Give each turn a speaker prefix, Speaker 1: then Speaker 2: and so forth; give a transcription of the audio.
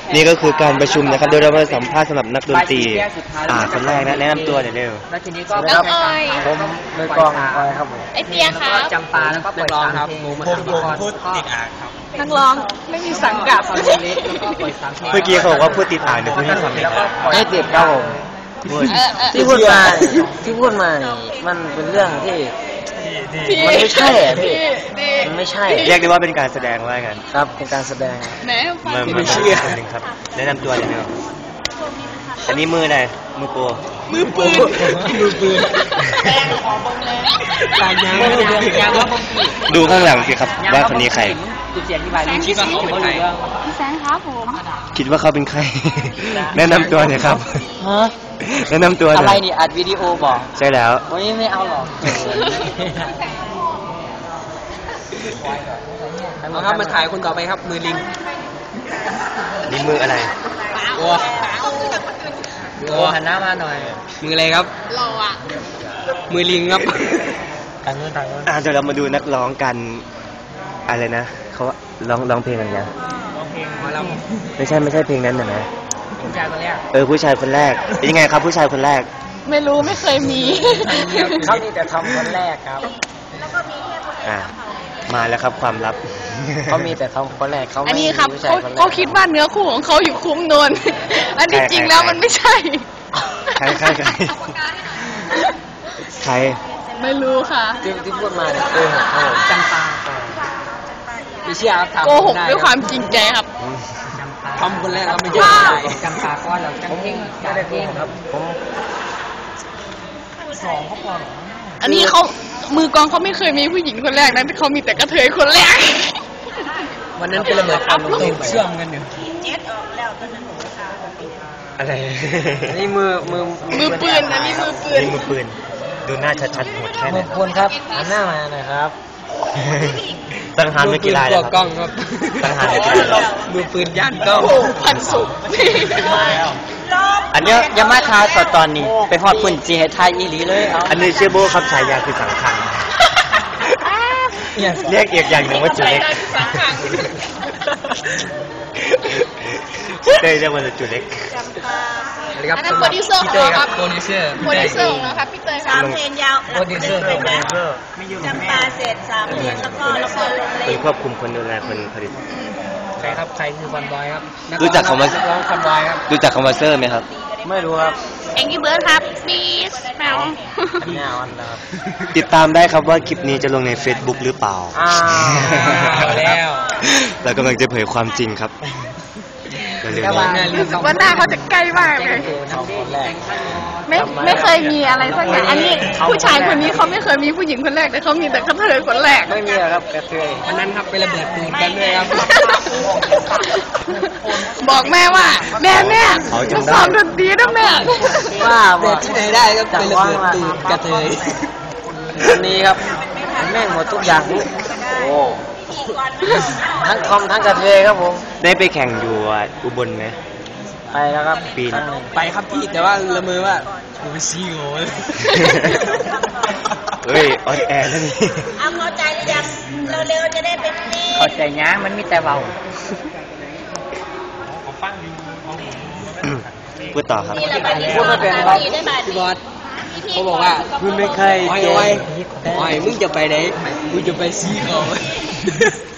Speaker 1: นี่ก็คือการประชุมนะครับโดยเรามาสัมภาษณ์สำหรับนักดนตรีคนแรกนะแนะนำตัวหน่อยเร็ว
Speaker 2: แล้วทีนี้ก็
Speaker 3: น้องออย
Speaker 2: ผมมือกลองออยครับผม
Speaker 3: ไอเปียครับ
Speaker 2: จำปาแล้วก็ปล่อยตามครับผมพูดติดอ่างครับ
Speaker 3: นักร้องไม่มีสังกัด
Speaker 1: เมื่อกี้เขาบอกว่าพูดติดอ่างเดี๋ยวพูดให้ฟังหน่อย
Speaker 2: ไม่ติดครับผมที่พูดมามันเป็นเรื่องที่มันไม่ใช่พี่มันไม่ใช่
Speaker 1: เรียกได้ว่าเป็นการแสดงว่ากัน
Speaker 2: ครับเป็นการแสดง
Speaker 1: ไม่เชื่อคนหนึ่งครับแนะนำตัวเลยเนาะอันนี้มือไหนมือโป
Speaker 3: มือปืน
Speaker 1: ดูข้างหลังสิครับว่าคนนี้ใคร
Speaker 3: พี่แซงครับผม
Speaker 1: คิดว่าเขาเป็นใครแนะนำตัวหน่อยครับแนะนำตัว
Speaker 2: อะไรนี่อัดวิดีโอบอก
Speaker 1: ใช่แล้ว
Speaker 2: ไม่เอาหรอกเอาครับมาถ่ายคนต่อไปครับมือลิง
Speaker 1: นี่มืออะไร
Speaker 2: โอ้หันหน้ามาหน่อยมืออะไรครับ
Speaker 3: เราอะ
Speaker 2: มือลิงครับ
Speaker 1: เดี๋ยวเรามาดูนักร้องกันอะไรนะเขาร้องเพลงอะไรนะไม่ใช่เพลงนั้นนะ
Speaker 2: ผู้ชายคนแรก
Speaker 1: ผู้ชายคนแรกเป็นยังไงครับผู้ชายคนแรก
Speaker 3: ไม่รู้ไม่เคยมี
Speaker 2: เขามีแต่ทำคนแรกครับ
Speaker 1: มาแล้วครับความลับ
Speaker 2: เขามีแต่ทำคนแรกเขา
Speaker 3: อันนี้ครับเขาคิดว่าเนื้อคู่ของเขาอยู่คุ้มนวลอันที่จริงแล้วมันไม่ใช่
Speaker 1: ใคร
Speaker 3: ไม่รู้ค่ะ
Speaker 2: ที่พูดมาเนี่ยจำปาไม่เชื่อครับ
Speaker 3: โกหกด้วยความจริงใจครับ
Speaker 2: ทำคนแรกเราไม่ใช่จำปาก้อนเราจำเก่งไม่ได้โกหกครับผม2เขาพอ
Speaker 3: อันนี้เขามือกองเขาไม่เคยมีผู้หญิงคนแรกนะเขามีแต่กระเทยคนแรก
Speaker 2: วันนั้นเป็นระเบิดความตื่นเชื่อมกันอยู่
Speaker 1: อะไร
Speaker 2: นี่มือ
Speaker 3: ปืนอันนี้มือ
Speaker 1: ปืนดูหน้าชัดๆหมดแค่
Speaker 2: นี้มือปืนครับหันหน้ามาหน่อยครับ
Speaker 1: ตั้งหานไม่กี่ลายแล้ว
Speaker 2: กล้องครับ
Speaker 1: ตั้งหานไม่กี่ลาย
Speaker 2: มือปืนย่านกล้อง
Speaker 3: พันสุก
Speaker 1: อันนี้
Speaker 2: ยามาคาตอนนี้ไปฮอดปุ่นจีให้ไทยอีหลีเลย
Speaker 1: อันนี้ชื่อโบครับฉายาคือสังขังเรียกอีกอย่างหนึ่งว่าจุเล็กเต้เรียกว่าจุเล็ก
Speaker 3: อันนั้นโปรดิวเซอร์ของเราครับโปรดิวเซอร์ของเราครับพี่เตยครับ
Speaker 4: 3 เพลงยาว
Speaker 2: โปรดิวเซอร์
Speaker 4: จำปาเสร็จ3 เพลงแล้วก็ลง
Speaker 1: เป็นควบคุมคนดูแลคนผลิต
Speaker 2: ใครครับใครคือคอนบอยครับ
Speaker 1: รู้จักคำว่า
Speaker 2: ร้องคอนบอยครับ
Speaker 1: รู้จักคำว่าเซอร์ไหมครับ
Speaker 2: ไม่รู้ครับ
Speaker 3: เอ็งกี้เบิร์ดครับปีสแมว
Speaker 1: ติดตามได้ครับว่าคลิปนี้จะลงใน Facebook หรือเปล่า
Speaker 2: แล้ว
Speaker 1: เรากำลังจะเผยความจริงครับ
Speaker 3: รู้สึกว่าหน้าเขาจะใกล้มากเลยไม่เคยมีอะไรสักอย่างอันนี้ผู้ชายคนนี้เขาไม่เคยมีผู้หญิงคนแรกแต่เขามีแต่กระเทยคนแรก
Speaker 2: ไม่มีครับกระเทยอันนั้นครับไประเบิดปืนกันเลยครับ
Speaker 3: บอกแม่ว่าแม่จะสอนดนตรีนะแม่
Speaker 2: ว่าบอกที่ไหนได้ก็ไประเบิดปืนกระเทยวันนี้ครับแม่งหมดทุกอย่างโอ้ทั้งคอมทั้งกระเทยครับผม
Speaker 1: ได้ไปแข่งอยู่อุบลไหม
Speaker 2: ไปแล้วครับ
Speaker 1: ปีน
Speaker 2: ไปครับพี่แต่ว่าละเมอว่าผมไปซีโง่
Speaker 1: เฮ้ยออนแอร์แล้วนี่
Speaker 4: เอาเข้าใจหรือยังเร็วๆจะได้เป็นนี่
Speaker 2: เข้าใจย้ามันมีแต่เบา
Speaker 1: พูดต่อครับ
Speaker 2: พูดไม่เป็นครับพี่บอสเขาบอกว่า
Speaker 1: คุณไม่เคย
Speaker 2: โอ้ยมึงจะไปไหนมึงจะไปซีโง่